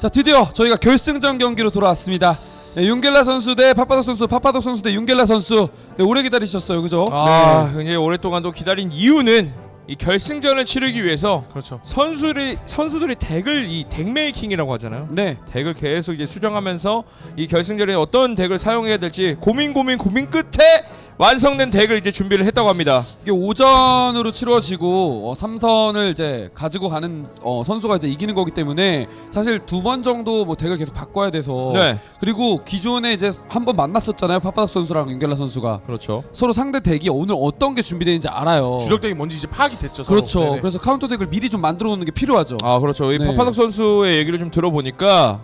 자, 드디어 저희가 결승전 경기로 돌아왔습니다. 네, 윤겔라 선수 대 파파독 선수, 파파독 선수 대 윤겔라 선수. 네, 오래 기다리셨어요, 그죠? 굉장히 오랫동안도 기다린 이유는 이 결승전을 치르기 위해서 그렇죠. 선수들이 덱을 이 덱메이킹이라고 하잖아요. 네. 덱을 계속 이제 수정하면서 이 결승전에 어떤 덱을 사용해야 될지 고민 끝에 완성된 덱을 이제 준비를 했다고 합니다. 이게 오전으로 치러지고 3선을 이제 가지고 가는 선수가 이제 이기는 거기 때문에 사실 2번 정도 뭐 덱을 계속 바꿔야 돼서. 네, 그리고 기존에 이제 한번 만났었잖아요, 파파독 선수랑 윤겔라 선수가. 그렇죠. 서로 상대 덱이 오늘 어떤 게 준비되어 있는지 알아요. 주력덱이 뭔지 이제 파악이 됐죠. 서로. 그렇죠. 네네. 그래서 카운터 덱을 미리 좀 만들어 놓는 게 필요하죠. 아, 그렇죠. 이 네. 파파독 선수의 얘기를 좀 들어보니까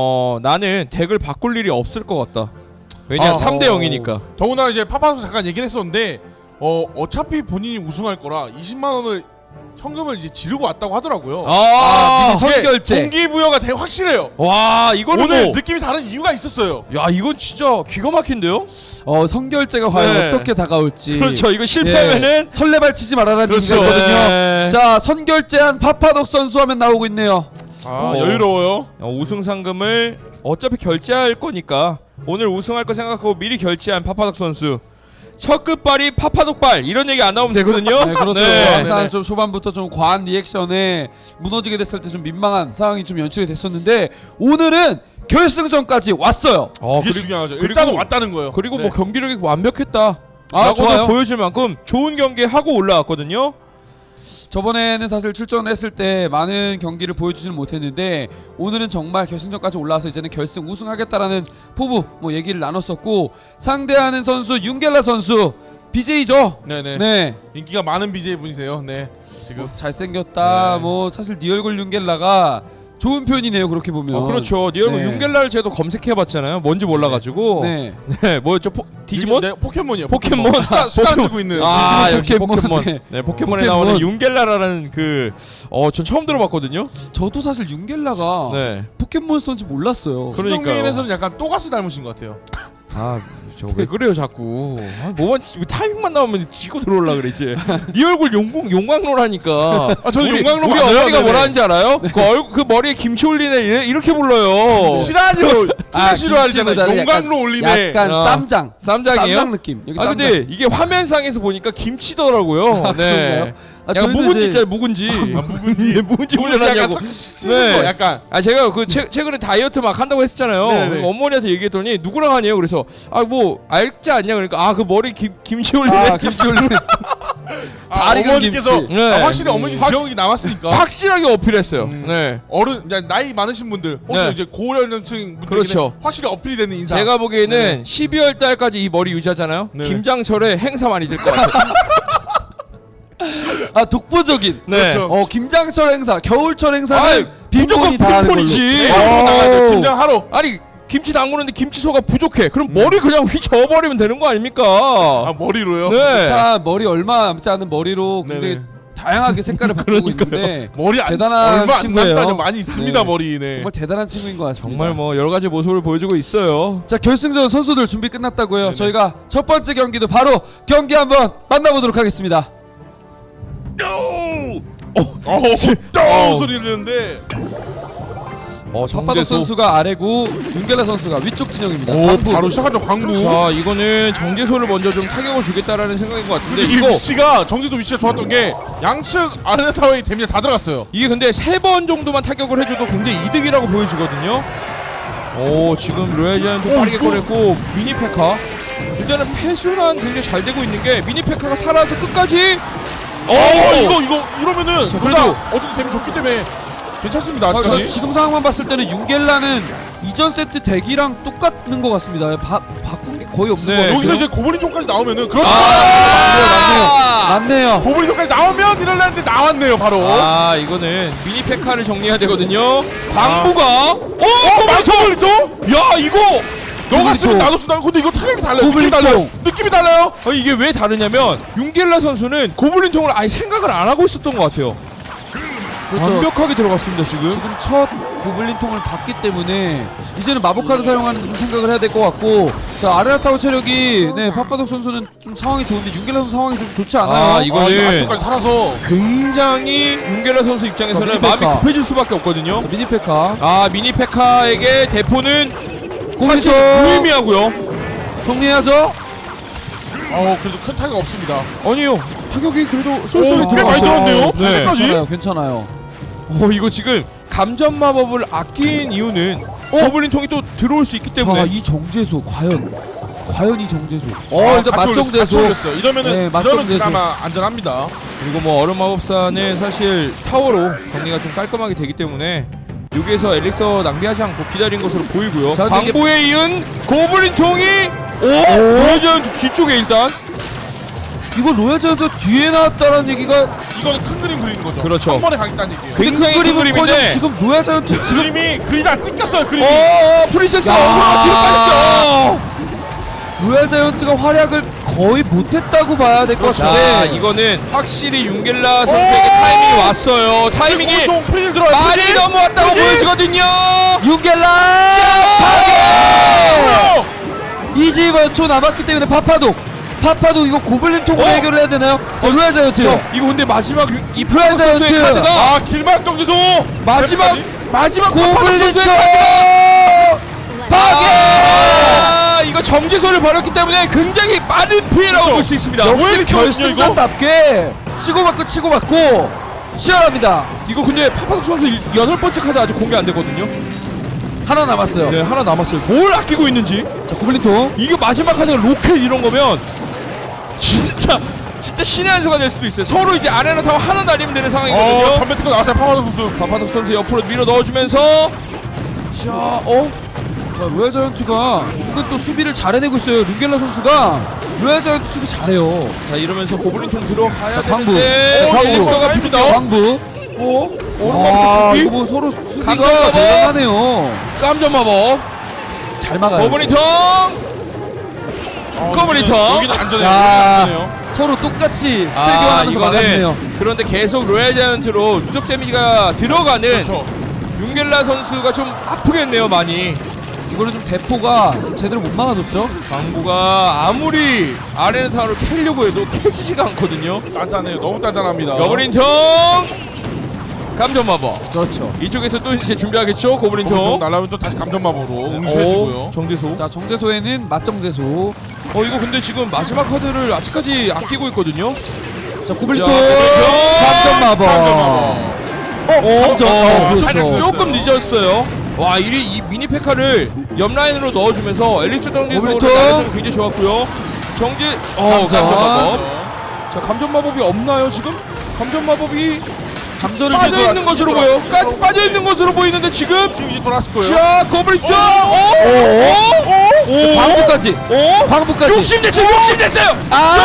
나는 덱을 바꿀 일이 없을 것 같다. 왜냐 3대 0이니까. 더구나 이제 파파도 잠깐 얘기를 했었는데 어차피 본인이 우승할 거라 20만 원을 현금을 이제 지르고 왔다고 하더라고요. 미리 이게 선결제. 동기부여가 되게 확실해요. 와, 이거는 오늘 뭐, 느낌이 다른 이유가 있었어요. 야, 이건 진짜 기가 막힌데요? 선결제가 과연 네. 어떻게 다가올지. 그렇죠. 이거 실패하면은 설레발치지 말아라는 그렇죠. 얘기가 있거든요. 네. 자, 선결제한 파파독 선수 하면 나오고 있네요. 여유로워요. 우승 상금을 어차피 결제할 거니까 오늘 우승할 거 생각하고 미리 결제한 파파독 선수. 첫 끝발이 파파독발 이런 얘기 안 나오면 되거든요. 네, 그렇죠. 네. 항상 좀 초반부터 좀 과한 리액션에 무너지게 됐을 때 좀 민망한 상황이 좀 연출이 됐었는데 오늘은 결승전까지 왔어요. 이게 중요하죠. 일단은 왔다는 거예요. 그리고 네. 뭐 경기력이 완벽했다. 아, 라고도 좋아요. 보여줄 만큼 좋은 경기 하고 올라왔거든요. 저번에는 사실 출전을 했을 때 많은 경기를 보여주지는 못했는데 오늘은 정말 결승전까지 올라와서 이제는 결승 우승하겠다라는 포부 뭐 얘기를 나눴었고 상대하는 선수 윤겔라 선수 BJ죠. 네네. 네. 인기가 많은 BJ 분이세요. 네. 지금 잘생겼다. 네. 뭐 사실 네 얼굴 윤겔라가 좋은 표현이네요. 그렇게 보면. 그렇죠. 니 얼굴 네. 윤겔라를 제도 검색해봤잖아요. 뭔지 몰라가지고. 네. 네, 뭐였죠? 디지몬? 네, 포켓몬이요. 포켓몬? 수단 들고 있는. 아, 디지몬 역시 포켓몬. 포켓몬. 네. 네, 포켓몬에 포켓몬. 나오는 윤겔라라는 전 처음 들어봤거든요. 저도 사실 윤겔라가 네. 포켓몬스터인지 몰랐어요. 그러니까요. 신동민에서는 약간 또가스 닮으신 것 같아요. 아, 저 왜 그래요 자꾸? 뭐만 타이밍만 나오면 지고 들어올라 그래 이제. 네 얼굴 용광로라니까. 저는 용광로 우리 맞아요. 어머니가 네네. 뭐라 하는지 알아요? 그 머리에 김치 올리네 이렇게 불러요. 싫어하죠. 싫어하잖아요. 김치보다는 용광로 올리네. 약간 쌈장. 쌈장이에요? 쌈장 느낌. 여기 아 쌈장. 근데 이게 화면상에서 보니까 김치더라고요. 네. 그런가요? 약간 저희도 묵은지 이제- 있잖아요, 묵은지. 묵은지. 묵은지 약간 올려놨냐고. 씻은 거 약간. 아 제가 그 최근에 다이어트 막 한다고 했었잖아요. 네네. 그래서 어머니한테 얘기했더니 누구랑 하냐고 그래서 뭐 알지 않냐 그러니까 그 머리 김치 올리네. 아, 김치 올리네. 잘 익은 어머니께서 김치. 네. 확실히 어머니 기억이 남았으니까. 확실하게 어필했어요. 네. 어른 이제 나이 많으신 분들 혹시 네. 이제 고연령층 분들에게 그렇죠. 확실히 어필이 되는 인상. 제가 보기에는 12월 달까지 이 머리 유지하잖아요. 네네. 김장철에 행사 많이 될 것 같아요. 아, 독보적인. 네. 그렇죠. 김장철 행사, 겨울철 행사는 아이, 빈곤이 다 하는 걸로. 빈곤이지. 나가야 김장하러. 아니 김치 담그는데 김치소가 부족해. 그럼 머리 그냥 휘저어버리면 되는 거 아닙니까? 아 머리로요? 네. 자, 머리 얼마 남지 않은 머리로 굉장히 네네. 다양하게 색깔을 바꾸고 있는데 머리 대단한 얼마 안 친구예요. 남다니 많이 있습니다. 네. 머리. 네. 정말 대단한 친구인 것 같습니다. 정말 뭐 여러 가지 모습을 보여주고 있어요. 자, 결승전 선수들 준비 끝났다고요. 네네. 저희가 첫 번째 경기도 바로 경기 한번 만나보도록 하겠습니다. 소리 들리는데. 파파독 선수가 아래고 윤겔라 선수가 위쪽 진영입니다. 오 광부. 바로 시작하죠. 광부. 자 이거는 정제소를 먼저 좀 타격을 주겠다라는 생각인 것 같은데 이 이거 위치가 정지도 위치가 좋았던 게 양측 아레나 타워의 데미지 다 들어갔어요. 이게 근데 3번 정도만 타격을 해줘도 굉장히 이득이라고 보여지거든요. 오 지금 로얄지안도 빠르게 꺼냈고 미니페카 일단은 패순환 굉장히 잘 되고 있는 게 미니페카가 살아서 끝까지 이거 이러면은 자, 그래도 그래도- 어쨌든 데미지 좋기 때문에 괜찮습니다. 저 아직까지. 지금 상황만 봤을 때는 윤겔라는 이전 세트 덱이랑 똑같는 것 같습니다. 바꾼 게 거의 없는 네, 것 같아요. 여기서 이제 고블린통까지 나오면은 그렇죠. 맞네요. 고블린통까지 나오면 이럴라는데 나왔네요 바로. 아 이거는 미니페카를 정리해야 되거든요. 광부가 고블린통? 야 이거 너가 쓰면 고블린통. 나도 쓰다. 근데 이거 타격이 달라요. 느낌이 고블린통. 달라요. 느낌이 달라요. 이게 왜 다르냐면 윤겔라 선수는 고블린통을 아예 생각을 안 하고 있었던 것 같아요. 그렇죠. 완벽하게 들어갔습니다 지금. 지금 첫 고블린 통을 봤기 때문에 이제는 마법 카드 사용하는 좀 생각을 해야 될 것 같고, 자 아레나 타워 체력이 파파독 선수는 좀 상황이 좋은데 윤겔라 선수 상황이 좀 좋지 않아요. 아, 이거는 안쪽까지 살아서 굉장히 윤겔라 선수 입장에서는 미니페카. 마음이 급해질 수밖에 없거든요. 미니페카 아 미니페카에게 대포는 고블린 사실 통 무의미하고요. 정리해야죠. 그래도 큰 타격 없습니다. 아니요 타격이 그래도 쏠쏠히 꽤 많이 들어갔어요. 들어갔네요. 네. 끝까지? 괜찮아요. 이거 지금 감전 마법을 아낀 이유는 고블린 통이 또 들어올 수 있기 자, 때문에. 이 정제소 과연 이 정제소. 아, 일단 같이 맞정제소. 올렸어요. 이러면은 네, 이러면 맞정제소. 그나마 안전합니다. 그리고 뭐 얼음 마법사는 사실 타워로 정리가 좀 깔끔하게 되기 때문에 여기에서 엘릭서 낭비하지 않고 기다린 것으로 보이고요. 자, 근데 광고에 이은 고블린 통이 보여주는 뒤쪽에 일단. 이거 로얄 자이언트 뒤에 나왔다는 얘기가 이거는 큰 그림 그리는 거죠. 그렇죠. 한 번에 가겠다는 얘기예요. 굉장히 큰 그림은 그림인데. 커녕 지금 로얄 자이언트 지금 그림이 그리다 찢겼어요. 그림이. 프린세스 야. 어그로가 뒤로 빠졌어. 로얄 자이언트가 활약을 거의 못했다고 봐야 될 것 자, 같은데 이거는 확실히 윤겔라 선수에게 타이밍이 왔어요. 타이밍이 보통 프릴 들어요. 많이 넘어왔다고 보여지거든요. 윤겔라 파괴! 20초 남았기 때문에 파파독 이거 고블린 통으로 해결을 해야 되나요? 자, 로얄 자이언트 이거 근데 마지막 이 로얄 프로 선수의 자이언트. 카드가 아 길막 정지소. 마지막 고블린 고블린 통 선수의 카드가 파괴! 이거 정지소를 벌였기 때문에 굉장히 빠른 피해라고 그렇죠. 볼 수 있습니다. 역시 결승전답게 치고받고 치열합니다. 이거 근데 파파독 선수 8번째 카드 아직 공개 안 됐거든요. 하나 남았어요. 네, 하나 남았어요. 뭘 아끼고 있는지. 자, 고블린 통 이게 마지막 카드가 로켓 이런 거면 진짜 신의 한 수가 될 수도 있어요. 서로 이제 아레나 타워 하나 날리면 되는 상황이거든요. 전면 특허 나왔어요. 파마도 선수. 파파독 선수 옆으로 밀어 넣어주면서 자, 자, 로얄 자이언트가 은근 또 수비를 잘 해내고 있어요. 룬겔라 선수가 로얄 자이언트 수비 잘해요. 자 이러면서 고블린통 들어가야 자, 광부. 되는데 광부. 엘릭서가 부족해요. 광부. 오른마법 이거 준비. 뭐 서로 수비가 강력마법. 대단하네요. 깜점 마법. 잘 막아요. 고블린통. 고블린통. 여기는 안전해요. 야. 여기는 안전해요. 서로 똑같이 스킬 교환하면서 막았네요. 그런데 계속 로얄 자이언트로 누적 데미지가 들어가는 그렇죠. 윤겔라 선수가 좀 아프겠네요 많이. 이거는 좀 대포가 제대로 못 막아줬죠. 광부가 아무리 아레나 타워를 캐려고 해도 캐지지가 않거든요. 단단해요. 너무 단단합니다. 고블린통. 감점 마법. 그렇죠. 이쪽에서 또 이제 준비하겠죠 고블린통. 날라오면 또 다시 감전마법으로 응시해주고요. 정제소. 자, 정제소에는 맞정제소. 이거 근데 지금 마지막 카드를 아직까지 아끼고 있거든요. 자, 고블린 자, 통 고블린 감전 마법. 감전. 살짝 그렇죠. 조금 늦었어요. 와, 이 미니 페카를 옆 라인으로 넣어주면서 엘릭스 정제소를 고블린 통. 날려주면 굉장히 좋았고요. 감전 감전. 마법. 자, 감전 마법이 없나요 지금? 감전 마법이 감전을 빠져 있는 것으로 보여. 빠져 있는 것으로 보이는데 지금. 지금 이제 돌아왔을 거예요. 자, 고블린 통. 광부까지. 광부까지. 욕심냈어요.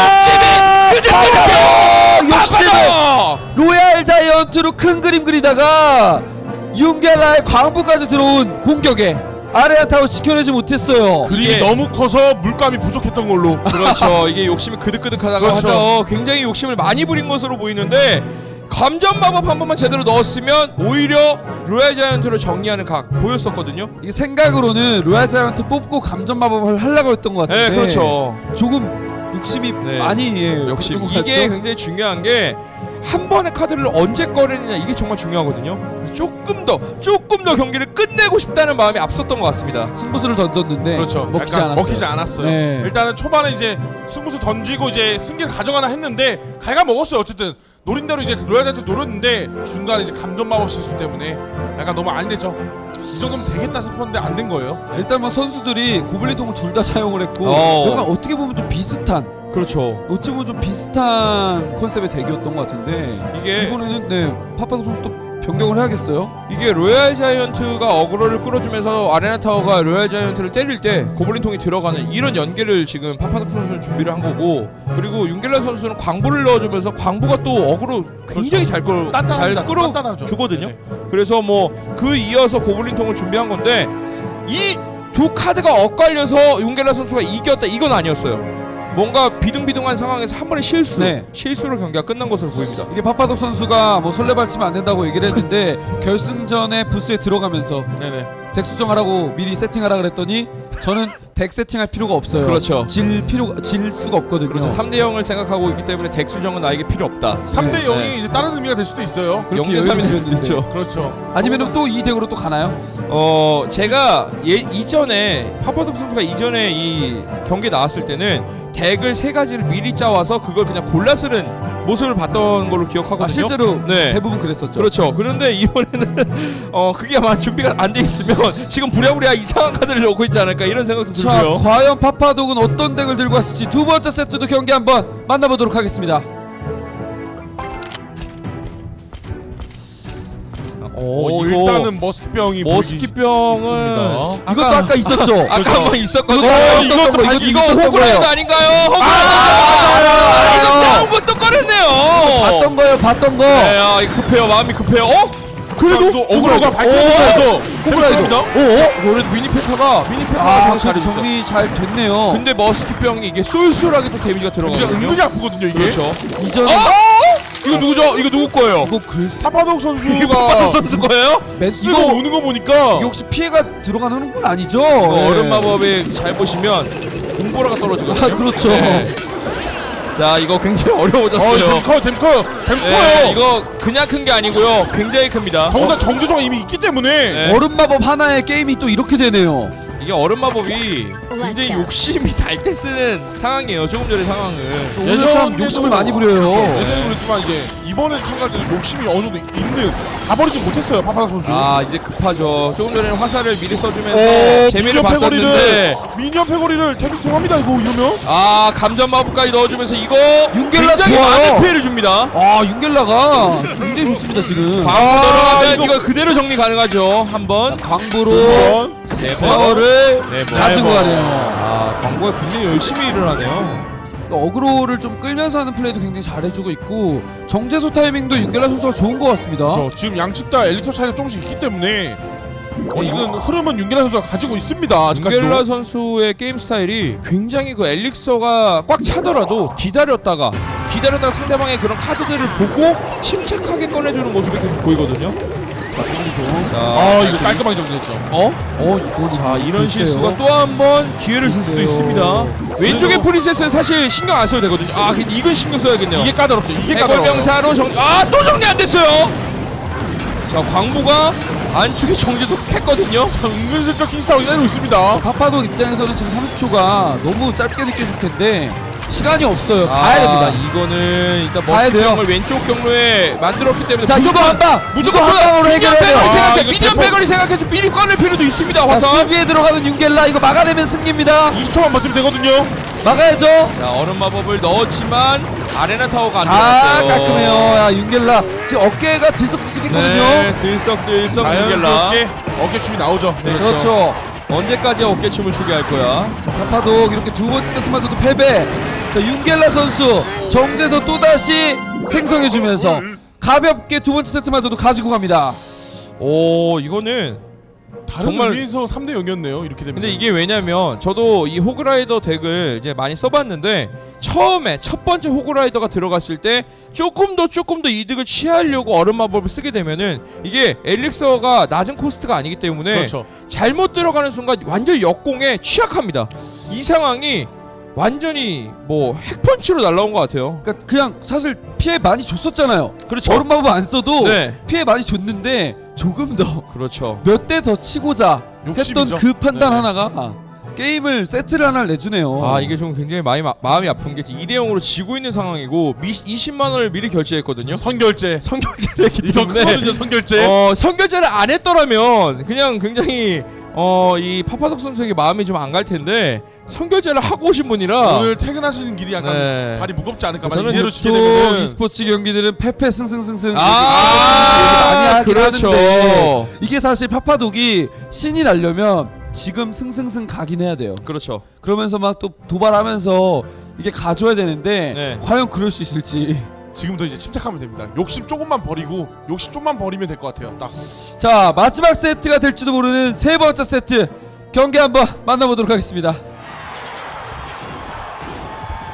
욕심을 로얄 자이언트로 큰 그림 그리다가 윤겔라의 광부까지 들어온 공격에 아레나 타워 지켜내지 못했어요. 그림이 예. 너무 커서 물감이 부족했던 걸로. 그렇죠. 이게 욕심이 그득그득하다고 그렇죠. 하죠. 굉장히 욕심을 많이 부린 것으로 보이는데 감전 마법 한 번만 제대로 넣었으면 오히려 로얄 자이언트를 정리하는 각 보였었거든요. 이게 생각으로는 로얄 자이언트 뽑고 감전 마법을 하려고 했던 것 같은데 네, 그렇죠. 조금 욕심이 네. 많이 역시 그랬던 것 이게 같죠? 굉장히 중요한 게 한 번의 카드를 언제 꺼내느냐 이게 정말 중요하거든요. 조금 더 경기를 끝내고 싶다는 마음이 앞섰던 것 같습니다. 승부수를 던졌는데 그렇죠. 먹히지 약간 않았어요. 먹히지 않았어요. 네. 일단은 초반에 이제 승부수 던지고 이제 승기를 가져가나 했는데 갈가 먹었어요. 어쨌든 노린 대로 이제 로얄한테 노렸는데 중간에 이제 감전 마법 실수 때문에 약간 너무 안 됐죠. 이 정도면 되겠다 싶었는데 안 된 거예요. 일단 뭐 선수들이 고블린통을 둘 다 사용을 했고 약간 어떻게 보면 좀 비슷한 그렇죠. 어찌 보면 좀 비슷한 컨셉의 대기였던 것 같은데 이게 이번에는 파파도 선수 또 변경을 해야겠어요. 이게 로얄 자이언트가 어그로를 끌어주면서 아레나 타워가 로얄 자이언트를 때릴 때 고블린통이 들어가는 이런 연계를 지금 파파독 선수는 준비를 한 거고, 그리고 윤겔라 선수는 광부를 넣어주면서 광부가 또 어그로 굉장히 잘 단단합니다. 단단하죠. 끌어주거든요. 네. 그래서 뭐 그 이어서 고블린통을 준비한 건데 이 두 카드가 엇갈려서 윤겔라 선수가 이겼다 이건 아니었어요. 뭔가 비등비등한 상황에서 한 번의 네. 실수로 경기가 끝난 것으로 보입니다. 이게 파파독 선수가 뭐 설레발치면 안 된다고 얘기를 했는데 결승전에 부스에 들어가면서 네네. 덱 수정하라고 미리 세팅하라 그랬더니 저는 덱 세팅할 필요가 없어요. 그렇죠. 질 수가 없거든요. 그렇죠. 3대 0을 생각하고 있기 때문에 덱 수정은 나에게 필요 없다. 3대 0이 네. 이제 다른 의미가 될 수도 있어요. 그렇게 0대 3이 될 여유를 수도 부렸는데. 있죠. 그렇죠. 아니면은 또 이 덱으로 또 가나요? 제가 이전에 파파독 선수가 이전에 이 경기에 나왔을 때는 덱을 3가지를 미리 짜와서 그걸 그냥 골라 쓰는 모습을 봤던 걸로 기억하거든요. 실제로 네. 대부분 그랬었죠. 그렇죠. 그런데 이번에는 그게 아마 준비가 안 돼 있으면 지금 부랴부랴 이상한 카드를 넣고 있지 않을까 이런 생각도 자, 들고요. 과연 파파독은 어떤 덱을 들고 왔을지 두 번째 세트도 경기 한번 만나보도록 하겠습니다. 일단은 머스키병이 머스키병은 이것도 아까 있었죠. 아까 한번 있었거든요. 이거 있었던 호그라이더 거예요. 아닌가요? 맞아요. 이거 짜온 또 꺼냈네요. 봤던 거. 네, 이거 급해요. 마음이 급해요. 그래도 어그로가 밝혀져서 호그라이더. 그래도 미니페카가 잘해줬어. 정리 잘 됐네요. 근데 머스키병이 이게 쏠쏠하게 또 데미지가 굉장히 들어가거든요. 은근히 아프거든요 이게. 그렇죠. 이전에 이거 누구죠? 이거 누구 거예요? 이거 파파독 이게 파파독 선수가 선수 거예요? 쓰고 우는 거 보니까 이게 혹시 피해가 들어가는 건 아니죠? 얼음 마법에 잘 보시면 공보라가 떨어지거든요. 아, 그렇죠. 자, 이거 굉장히 어려워졌어요. 댐스 커요. 네, 이거 그냥 큰 게 아니고요. 굉장히 큽니다. 더군다나 정조정이 이미 있기 때문에 네. 얼음 마법 하나에 게임이 또 이렇게 되네요. 이게 얼음 마법이 굉장히 욕심이 날 때 쓰는 상황이에요. 조금 전의 상황은. 오늘 참 욕심을 많이 부려요. 예전에도 그랬지만 이제 이번에 참가자들 욕심이 어느 정도 있는 다 버리지 못했어요 파파독 선수. 아, 이제 급하죠. 조금 전에는 화살을 미리 써주면서 재미를 봤었는데 미니언 패거리를 데미지 통합니다 이거 이러면. 아, 감전 마법까지 넣어주면서 이거 윤겔라 굉장히 좋아요. 많은 피해를 줍니다. 아, 윤겔라가 굉장히 좋습니다 지금. 광고 들어가면 이거 그대로 정리 가능하죠. 한 번, 광부로 세 번, 파워를 네 번. 가지고 가네요. 아, 광고가 굉장히 열심히 일을 하네요. 어그로를 좀 끌면서 하는 플레이도 굉장히 잘해주고 있고 정제소 타이밍도 윤겔라 선수가 좋은 것 같습니다. 지금 양측 다 엘리트 차이가 조금씩 있기 때문에 이건 흐름은 윤겔라 선수가 가지고 있습니다. 아직까지도. 윤겔라 선수의 게임 스타일이 굉장히 그 엘릭서가 꽉 차더라도 기다렸다가 상대방의 그런 카드들을 보고 침착하게 꺼내주는 모습이 계속 보이거든요. 이거 깔끔하게 정리했죠. 이거 자, 이런 실수가 또 한 번 기회를 줄 수도 있습니다. 왼쪽의 프린세스는 사실 신경 안 써도 되거든요. 아, 이건 신경 써야겠네요. 이게 까다롭죠. 이게 까다로워. 해골병사로 또 정리 안 됐어요. 자, 광부가 안쪽에 정지석 했거든요. 은근슬쩍 킹스타운이 때리고 있습니다. 파파독 입장에서는 지금 30초가 너무 짧게 느껴질 텐데 시간이 없어요. 가야 됩니다. 이거는 일단 가야 돼요. 머스키병을 왼쪽 경로에 만들었기 때문에 자, 이거 한 방! 무조건 이거 한 방으로 미디언 해결해야 백거리 돼요. 생각해. 이거 미디언 대포- 백거리 생각해서 미리 꺼낼 필요도 있습니다. 자, 화살. 수비에 들어가는 윤겔라 이거 막아내면 승리입니다. 20초만 버티면 되거든요. 막아야죠. 자, 얼음 마법을 넣었지만 아레나 타워가 안 아, 들어갔어요. 깔끔해요. 야, 윤겔라 지금 어깨가 들썩들썩했거든요. 네, 들썩들썩 윤겔라. 자연스럽게 어깨춤이 나오죠. 네, 그렇죠. 언제까지 어깨춤을 추게 할 거야? 자, 파파독 이렇게 두 번째 세트마저도 패배. 자, 윤겔라 선수 정제서 또다시 생성해주면서 가볍게 두 번째 세트마저도 가지고 갑니다. 오, 이거는 다른 정말- 의미에서 3대 0이었네요. 이렇게 되면. 근데 이게 왜냐면 저도 이 호그라이더 덱을 이제 많이 써봤는데 처음에 첫 번째 호그라이더가 들어갔을 때 조금 더 이득을 취하려고 얼음 마법을 쓰게 되면은 이게 엘릭서가 낮은 코스트가 아니기 때문에 그렇죠. 잘못 들어가는 순간 완전 역공에 취약합니다. 이 상황이 완전히 뭐 핵펀치로 날라온 것 같아요. 그러니까 그냥 사실 피해 많이 줬었잖아요. 그렇죠. 얼음 마법 안 써도 네. 피해 많이 줬는데 조금 더 그렇죠. 몇 대 더 치고자 욕심이죠. 했던 그 판단 네. 하나가 게임을 세트를 하나 내주네요. 아, 이게 좀 굉장히 마음이 아픈 게 2대 0으로 지고 있는 상황이고 20만 원을 미리 결제했거든요. 선결제. 선결제를 했기 이거 때문에 크거든요. 선결제. 선결제를 안 했더라면 그냥 굉장히 이 파파독 선수에게 마음이 좀 안 갈 텐데 선결제를 하고 오신 분이라 오늘 퇴근하시는 길이 약간 네. 발이 무겁지 않을까. 저는 만약 이대로 지게 또 되면은 e스포츠 경기들은 패패 승승승승 아, 많이 하긴 그렇죠. 하는데 이게 사실 파파독이 신이 나려면 지금 승승승 가긴 해야 돼요. 그렇죠. 그러면서 막 또 도발하면서 이게 가져야 되는데 네. 과연 그럴 수 있을지. 지금부터 이제 침착하면 됩니다. 욕심 조금만 버리고 욕심 좀만 버리면 될 것 같아요. 딱. 자, 마지막 세트가 될지도 모르는 세 번째 세트 경기 한번 만나보도록 하겠습니다.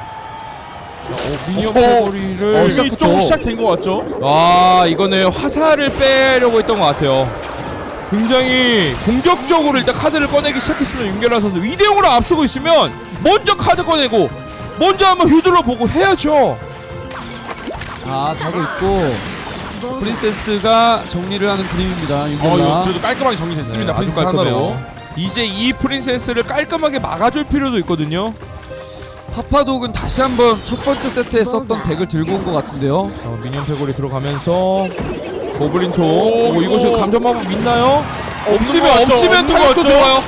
미니언 어, 패거리를 이미 좀 시작된 것 같죠? 아 이거는 화살을 빼려고 했던 것 같아요. 굉장히 공격적으로 일단 카드를 꺼내기 시작했으면 윤결라 선수 2대0으로 앞서고 있으면 먼저 카드 꺼내고 먼저 한번 휘둘러 보고 해야죠. 자 가고 있고 프린세스가 정리를 하는 그림입니다. 이거 윤결라. 그래도 깔끔하게 정리됐습니다. 네, 아주 프린세스 하나로. 깔끔해요. 이제 이 프린세스를 깔끔하게 막아줄 필요도 있거든요. 파파독은 다시 한번 첫 번째 세트에 썼던 덱을 들고 온 것 같은데요. 자, 미니언 패거리 들어가면서 고블린통. 오, 이거 지금 감전 마법 있나요? 없으면 없는 것 타격도 같죠? 들어가요.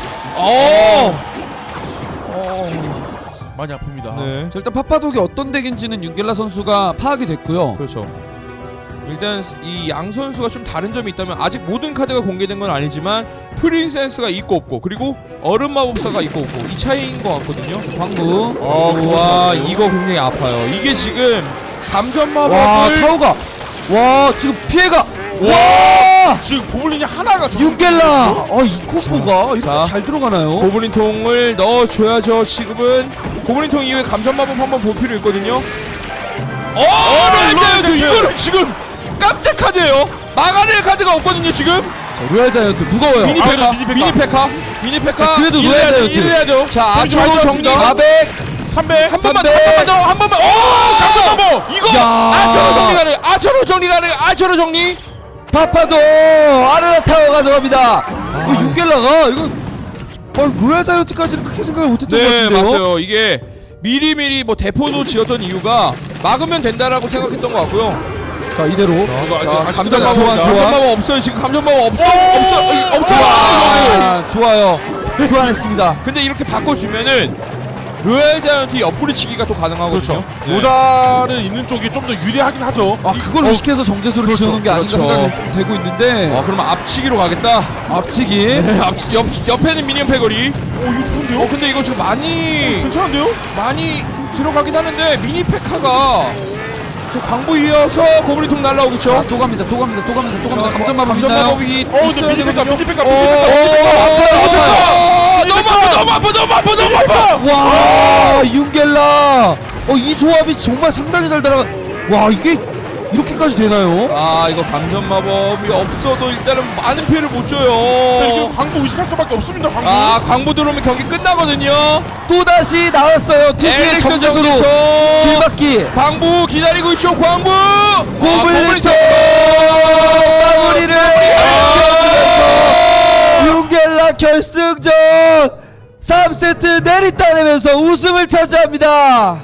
많이 아픕니다. 네. 자, 일단 파파독이 어떤 덱인지는 윤겔라 선수가 파악이 됐고요. 그렇죠. 일단 이 양 선수가 좀 다른 점이 있다면 아직 모든 카드가 공개된 건 아니지만 프린세스가 있고 없고 그리고 얼음 마법사가 있고 없고 이 차이인 것 같거든요. 광부. 와 이거 굉장히 아파요. 이게 지금 감전 와 마법을 타오가. 와 지금 피해가. 와! 지금 고블린이 하나가 윤겔라. 이 콤보가 이렇게 자. 잘 들어가나요? 고블린통을 넣어줘야죠. 지금은 고블린통 이후에 감전 마법 한번 볼 필요 있거든요. 네, 이거는 지금 깜짝 카드예요. 막아낼 카드가 없거든요 지금. 자, 로얄 자이언트 무거워요. 미니 페카, 미니 미니 페카. 자, 그래도 이래야 넣어야 돼요, 돼, 이래야 돼요. 자, 그렇죠, 아처로 맞죠, 정리. 맞습니다. 400. 300 한 번만 300. 더, 한 번만. 감전 마법! 이거 야. 아처로 정리 가능. 아처로 정리 가능. 아처로 정리. 파파도 아레나 타워 가져갑니다. 이거 윤겔라가 이거 로얄 자이언트까지는 크게 생각을 못했던 것 네, 같은데요. 맞아요. 이게 미리미리 뭐 대포도 지었던 이유가 막으면 된다라고 생각했던 것 같고요. 자 이대로. 감전 마법, 교환, 감전 교환. 마법 없어요. 지금 감전 마법 없어. 좋아요. 교환했습니다. 근데 이렇게 바꿔주면은 로얄 자이언트 옆구리 치기가 또 가능하거든요. 그렇죠. 네. 모자는 있는 쪽이 좀 더 유리하긴 하죠. 그걸 의식해서 정제소를 그렇죠, 지어놓은 게 아닌가 그렇죠. 생각이 되고 있는데 그러면 앞치기로 가겠다. 앞치기. 네, 옆에는 미니언 패거리. 이거 좋은데요? 근데 이거 지금 괜찮은데요? 많이 들어가긴 하는데 미니 페카가 저 광부 이어서 고블린통 날라오겠죠. 자, 또 갑니다. 감전 마법 감전 있나요? 마법이 근데 있어야 미니 페카, 되거든요. 미니 페카, 너무 아파. 와 윤겔라. 이 조합이 정말 상당히 잘 들어가. 와 이게 이렇게까지 되나요? 이거 감전 마법이 없어도 일단은 많은 피해를 못 이거 줘요. 광고 의식할 수밖에 없습니다. 광고. 광부 들어오면 경기 끝나거든요. 또 다시 나왔어요. 특유의 엘릭서 정제소로 정지소 길막기. 광부 기다리고 있죠. 광부 고블린통 마무리를 윤겔라 결승전 3세트 내리따내면서 우승을 차지합니다.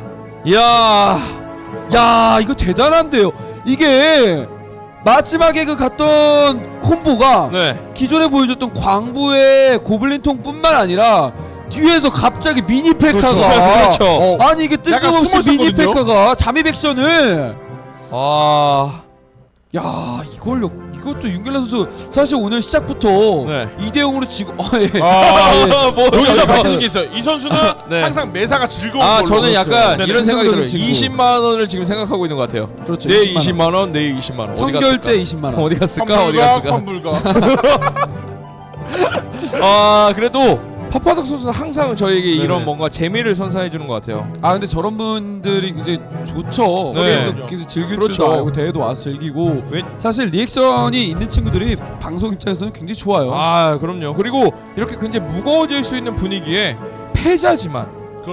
야 이거 대단한데요. 이게 마지막에 그 갔던 콤보가 네. 기존에 보여줬던 광부의 고블린통뿐만 아니라 뒤에서 갑자기 미니 페카가 그렇죠. 아니 이게 약간 뜬금없이 숨어 미니 있었거든요. 페카가 잠입 액션을 야 이것도 윤겔라 선수 사실 오늘 시작부터 네. 2대0으로 지고 여기서 밝혀진 게 있어요. 이 선수는 네. 항상 매사가 즐거운 걸로. 저는 약간 네네. 이런 생각이 들어요. 긍정적인 20만 원을 지금 생각하고 있는 것 같아요. 그렇죠. 내 20만 원. 20만 원, 내 20만 원. 어디 선결제 갔을까? 20만 원. 어디 갔을까? 어디 갔을까? 환불가. 그래도 파파덕 선수는 항상 저에게 네네. 이런 뭔가 재미를 선사해 주는 것 같아요. 근데 저런 분들이 굉장히 좋죠. 네. 게임도 굉장히 즐길 그렇죠. 줄도 알고 대회도 와서 즐기고 사실 리액션이 있는 친구들이 방송 입장에서는 굉장히 좋아요. 그럼요. 그리고 이렇게 굉장히 무거워질 수 있는 분위기에 패자지만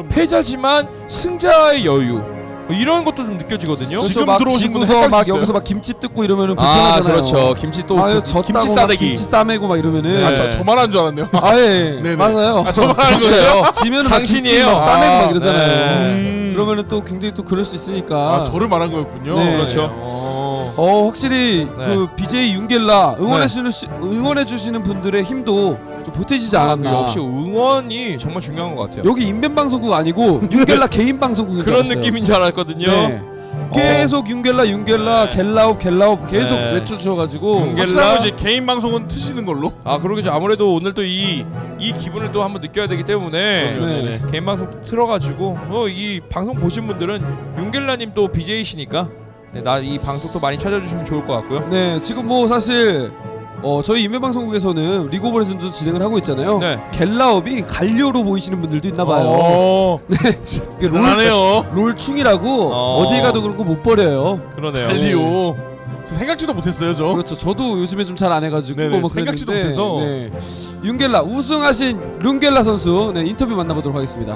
승자의 여유 이런 것도 좀 느껴지거든요. 지금 그렇죠. 막 들어오신 분들 지고서 헷갈릴 막 수 있어요. 여기서 막 김치 뜯고 이러면은 불편하잖아요. 그렇죠. 김치 또 졌다고 김치 막 싸대기. 김치 싸매고 막 이러면은 네. 저만 하는 줄 알았네요. 예. 맞아요. 저만 하는 진짜요? 거예요? 지면은 막 김치 당신이에요. 막 싸매고 막 이러잖아요. 네. 그러면은 또 굉장히 또 그럴 수 있으니까. 저를 말한 거였군요. 네. 그렇죠. 확실히 네. 그 BJ 윤겔라 응원해 주시는 분들의 힘도 좀 보태지지 않았나. 역시 응원이 정말 중요한 것 같아요. 여기 인벤 방송국 아니고 윤겔라 개인 방송국인 줄 그런 알았어요. 느낌인 줄 알았거든요. 네. 계속 윤겔라 계속 네. 외쳐주셔가지고 확실하면 이제 개인 방송은 트시는 걸로. 그러겠죠. 아무래도 오늘 또 이 기분을 또 한번 느껴야 되기 때문에 네. 개인 방송 틀어가지고 이 방송 보신 분들은 윤겔라님 또 BJ시니까 나 이 방송 또 많이 찾아주시면 좋을 것 같고요. 네 지금 뭐 사실 저희 인매방송국에서는 리그 오브 레전드도 진행을 하고 있잖아요. 네. 갤라업이 갈료로 보이시는 분들도 있나봐요. 이게 대단하네요. 롤충이라고 어. 어디 가도 그렇고 못 버려요. 그러네요. 달리오. 저 생각지도 못했어요, 저. 그렇죠. 저도 요즘에 좀 잘 안 해가지고 네네, 뭐 생각지도 그랬는데, 못해서. 네. 윤겔라 우승하신 룬겔라 선수 네, 인터뷰 만나보도록 하겠습니다.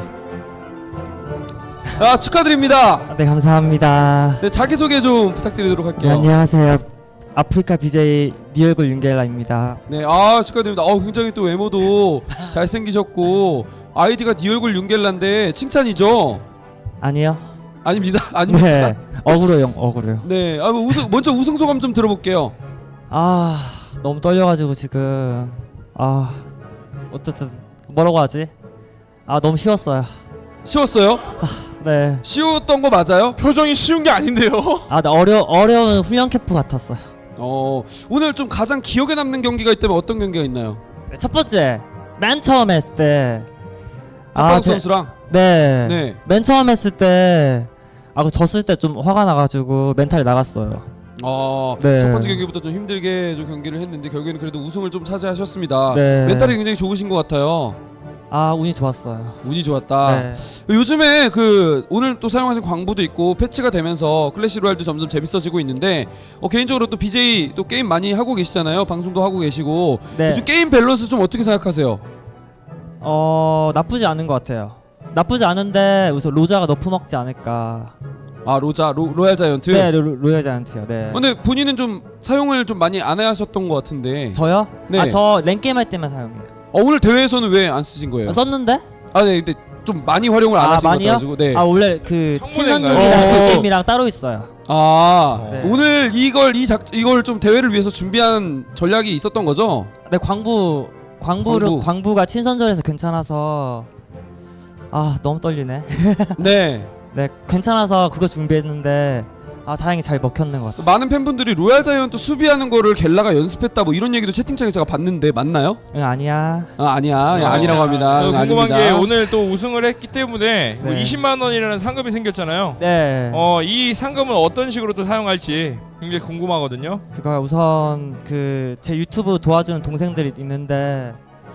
아 축하드립니다. 네, 감사합니다. 네, 자기 소개 좀 부탁드리도록 네, 할게요. 안녕하세요. 아프리카 BJ 니 얼굴 윤겔라입니다. 네, 아 축하드립니다. 굉장히 또 외모도 잘생기셨고 아이디가 니 얼굴 윤겔라인데 칭찬이죠? 아니요. 아닙니다. 아닙니다. 네, 억울해요, 억울해요. 네, 뭐 먼저 우승 소감 좀 들어볼게요. 아, 너무 떨려가지고 지금 어쨌든 뭐라고 하지? 너무 쉬웠어요. 쉬웠어요? 네. 쉬웠던 거 맞아요? 표정이 쉬운 게 아닌데요. 나 어려운 훈련 캠프 같았어요. 오늘 좀 가장 기억에 남는 경기가 있다면 어떤 경기가 있나요? 첫 번째, 맨 처음 했을 때. 박광 선수랑. 네. 네. 맨 처음 했을 때. 그 졌을 때 좀 화가 나가지고 멘탈이 나갔어요. 첫 네. 번째 경기부터 좀 힘들게 좀 경기를 했는데 결국에는 그래도 우승을 좀 차지하셨습니다. 네. 멘탈이 굉장히 좋으신 것 같아요. 운이 좋았어요. 운이 좋았다. 네. 요즘에 오늘 또 사용하신 광부도 있고 패치가 되면서 클래시 로얄도 점점 재밌어지고 있는데 개인적으로 또 BJ 또 게임 많이 하고 계시잖아요. 방송도 하고 계시고 네. 요즘 게임 밸런스 좀 어떻게 생각하세요? 나쁘지 않은 것 같아요. 나쁘지 않은데 우선 로자가 너프 먹지 않을까. 로얄 자이언트. 네, 로얄 자이언트요. 네. 근데 본인은 좀 사용을 좀 많이 안 하셨던 것 같은데. 저요? 네. 저 랭게임 할 때만 사용해요. 오늘 대회에서는 왜 안 쓰신 거예요? 썼는데? 네, 근데 좀 많이 활용을 안 하신 것 많이요? 같아가지고. 네. 원래 그 성문인가요? 친선용이랑 그 어. 게임이랑 따로 있어요. 네. 네. 오늘 이걸 좀 대회를 위해서 준비한 전략이 있었던 거죠? 네, 광부가 친선전에서 괜찮아서 너무 떨리네. 네. 네, 괜찮아서 그거 준비했는데 다행히 잘 먹혔는 것 같아요. 많은 팬분들이 로얄 자이언트 수비하는 거를 겔라가 연습했다 뭐 이런 얘기도 채팅창에 제가 봤는데 맞나요? 응, 아니야. 아니야. 아니라고 합니다. 궁금한 아닙니다. 게 오늘 또 우승을 했기 때문에 뭐 네. 20만 원이라는 상금이 생겼잖아요. 네. 이 상금은 어떤 식으로 또 사용할지 굉장히 궁금하거든요. 그거 우선 제 유튜브 도와주는 동생들이 있는데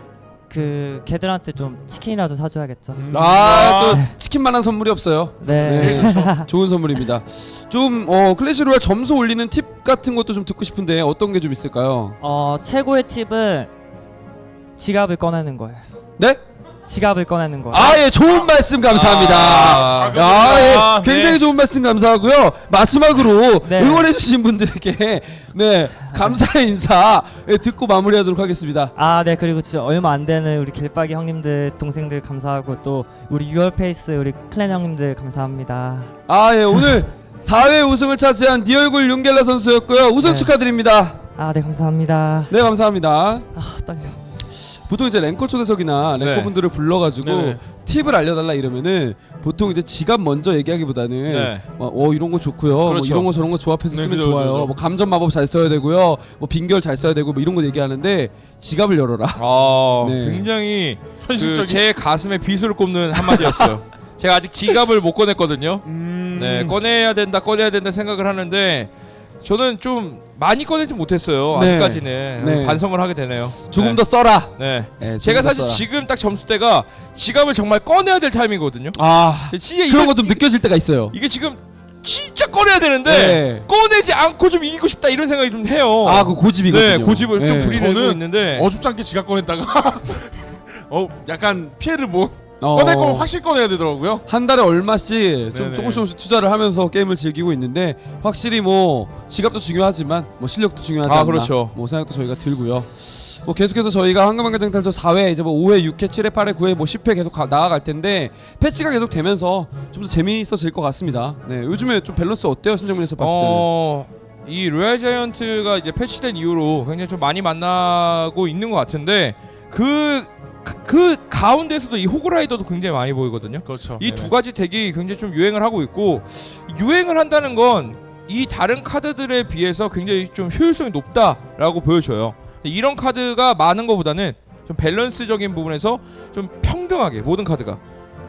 걔들한테 좀 치킨이라도 사줘야겠죠. 또 치킨만한 선물이 없어요. 네. 좋은 선물입니다. 좀 클래시 로얄 점수 올리는 팁 같은 것도 좀 듣고 싶은데 어떤 게 좀 있을까요? 최고의 팁은 지갑을 꺼내는 거예요. 네? 지갑을 꺼내는 거예요. 예, 좋은 말씀 감사합니다. 예, 굉장히 좋은 말씀 감사하고요. 마지막으로 네. 응원해주신 분들에게 감사의 인사 듣고 마무리하도록 하겠습니다. 네, 그리고 진짜 얼마 안 되는 우리 길박이 형님들 동생들 감사하고 또 우리 유얼페이스 우리 클랜 형님들 감사합니다. 예, 오늘 4회 우승을 차지한 니 얼굴 윤겔라 선수였고요. 우승 네. 축하드립니다. 네, 감사합니다. 네, 감사합니다. 떨려. 보통 이제 랭커 초대석이나 랭커분들을 불러가지고 네네. 팁을 알려달라 이러면은 보통 이제 지갑 먼저 얘기하기보다는 네. 이런 거 좋고요. 뭐 그렇죠. 이런 거 저런 거 조합해서 네, 쓰면 그죠, 좋아요. 그죠. 뭐 감전 마법 잘 써야 되고요. 뭐 빙결 잘 써야 되고 뭐 이런 거 얘기하는데 지갑을 열어라. 네. 굉장히 현실적인. 제 가슴에 비수를 꼽는 한마디였어요. 제가 아직 지갑을 못 꺼냈거든요. 네, 꺼내야 된다 생각을 하는데 저는 좀 많이 꺼내지 못했어요. 네. 아직까지는 네. 반성을 하게 되네요. 조금 더 써라. 네. 네, 제가 조금 더 사실 써라. 지금 딱 점수대가 지갑을 정말 꺼내야 될 타이밍이거든요. 진짜 그런 거 좀 느껴질 때가 있어요. 이게 지금 진짜 꺼내야 되는데 네. 꺼내지 않고 좀 이기고 싶다 이런 생각이 좀 해요. 그 고집이거든요. 네, 고집을 좀 부리고 저는 있는데 어줍지 않게 지갑 꺼냈다가 약간 피해를 꺼낼 거면 확실히 꺼내야 되더라고요. 한 달에 얼마씩 좀 네네. 조금씩 투자를 하면서 게임을 즐기고 있는데 확실히 뭐 지갑도 중요하지만 뭐 실력도 중요하지 않나 그렇죠. 뭐 생각도 저희가 들고요. 뭐 계속해서 저희가 황금한가장탈도 4회 이제 뭐 5회, 6회, 7회, 8회, 9회 뭐 10회 계속 나아갈 텐데 패치가 계속 되면서 좀 더 재미있어질 것 같습니다. 네, 요즘에 좀 밸런스 어때요, 신정민에서 봤을 때는? 이 로얄 자이언트가 이제 패치된 이후로 굉장히 좀 많이 만나고 있는 것 같은데 그 가운데서도 이 호그라이더도 굉장히 많이 보이거든요. 그렇죠. 이 두 가지 덱이 굉장히 좀 유행을 하고 있고 유행을 한다는 건 이 다른 카드들에 비해서 굉장히 좀 효율성이 높다라고 보여줘요. 이런 카드가 많은 것보다는 좀 밸런스적인 부분에서 좀 평등하게 모든 카드가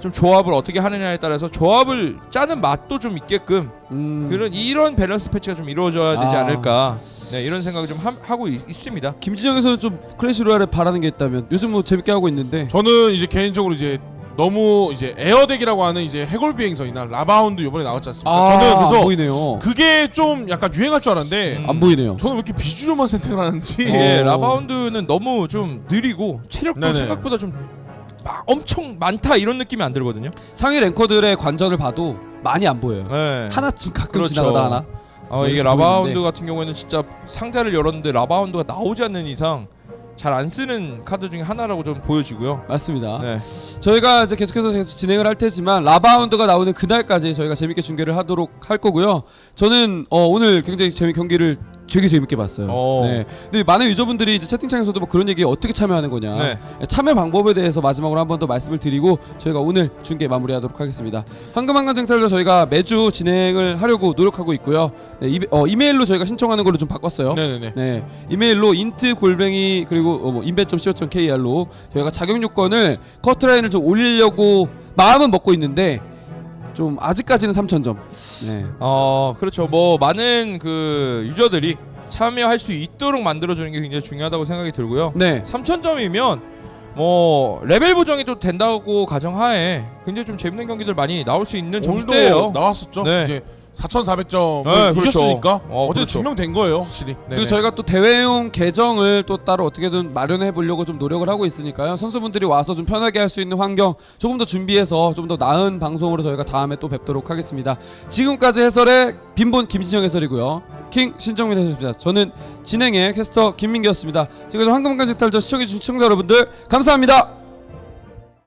좀 조합을 어떻게 하느냐에 따라서 조합을 짜는 맛도 좀 있게끔 그런 이런 밸런스 패치가 좀 이루어져야 되지 않을까. 네, 이런 생각을 좀 하고 있습니다. 김진영에서는 좀 클래시 로얄에 바라는 게 있다면 요즘 뭐 재밌게 하고 있는데 저는 이제 개인적으로 이제 너무 이제 에어덱이라고 하는 이제 해골 비행선이나 라바운드 이번에 나왔지 않습니까? 저는 안 그래서 보이네요. 그게 좀 약간 유행할 줄 알았는데 안 보이네요. 저는 왜 이렇게 비주류만 선택을 하는지. 이게 라바운드는 너무 좀 느리고 체력도 네네. 생각보다 좀 엄청 많다 이런 느낌이 안 들거든요. 상위 랭커들의 관전을 봐도 많이 안 보여요. 네. 하나쯤 가끔 그렇죠. 지나가다 하나. 이게 이렇게 라바운드 보이는데. 같은 경우에는 진짜 상자를 열었는데 라바운드가 나오지 않는 이상 잘 안 쓰는 카드 중에 하나라고 좀 보여지고요. 맞습니다. 네. 저희가 이제 계속해서 계속 진행을 할 테지만 라바운드가 나오는 그날까지 저희가 재밌게 중계를 하도록 할 거고요. 저는 오늘 굉장히 경기를 되게 재밌게 봤어요. 네. 근데 많은 유저분들이 이제 채팅창에서도 뭐 그런 얘기 어떻게 참여하는 거냐. 네. 참여 방법에 대해서 마지막으로 한 번 더 말씀을 드리고 저희가 오늘 중계 마무리하도록 하겠습니다. 황금한강쟁탈도 저희가 매주 진행을 하려고 노력하고 있고요. 네, 이메일로 저희가 신청하는 걸로 좀 바꿨어요. 네네네. 네, 이메일로 int@ 그리고 뭐 inben.co.kr로 저희가 자격 요건을 커트라인을 좀 올리려고 마음은 먹고 있는데 좀 아직까지는 3,000점. 네. 그렇죠. 뭐 많은 그 유저들이 참여할 수 있도록 만들어주는 게 굉장히 중요하다고 생각이 들고요. 네. 3,000점이면 뭐 레벨 보정이 또 된다고 가정하에 굉장히 좀 재밌는 경기들 많이 나올 수 있는 오늘도 점수대예요. 나왔었죠. 네. 이제 4,400점 네, 그렇죠. 이겼으니까 어제 그렇죠. 증명된 거예요, 확실히. 그리고 네네. 저희가 또 대회용 계정을 또 따로 어떻게든 마련해 보려고 좀 노력을 하고 있으니까요. 선수분들이 와서 좀 편하게 할 수 있는 환경 조금 더 준비해서 좀 더 나은 방송으로 저희가 다음에 또 뵙도록 하겠습니다. 지금까지 해설의 빈본 김진영 해설이고요. 킹 신정민 해설입니다. 저는 진행의 캐스터 김민기였습니다. 지금까지 황금강쟁탈전 시청해주신 시청자 여러분들 감사합니다.